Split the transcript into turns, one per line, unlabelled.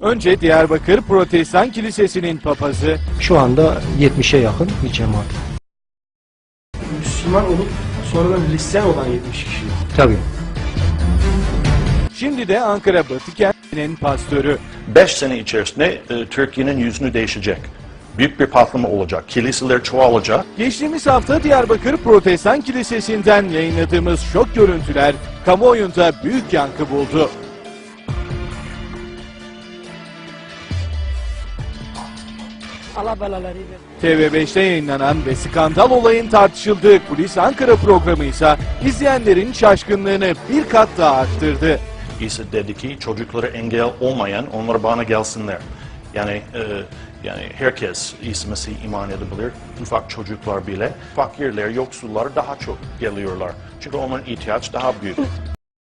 Önce Diyarbakır Protestan Kilisesi'nin papazı,
Şu anda 70'e yakın bir cemaat.
Müslüman olup sonradan Hristiyan olan 70 kişi.
Tabii.
şimdi de Ankara Batı kentinin pastörü.
5 sene içerisinde Türkiye'nin yüzünü değişecek. Büyük bir patlama olacak. Kiliseler çoğalacak.
Geçtiğimiz hafta Diyarbakır Protestan Kilisesi'nden yayınladığımız şok görüntüler kamuoyunda büyük yankı buldu.
Allah belaları versin.
TV5'te yayınlanan ve skandal olayın tartışıldığı Kulis Ankara programı ise izleyenlerin şaşkınlığını bir kat daha arttırdı.
İsa dedi ki çocuklara engel olmayan onlara bana gelsinler. Yani herkes İsa Mesih iman edebilir. Ufak çocuklar bile. Fakirler, yoksullar daha çok geliyorlar. Çünkü onların ihtiyaç daha büyük.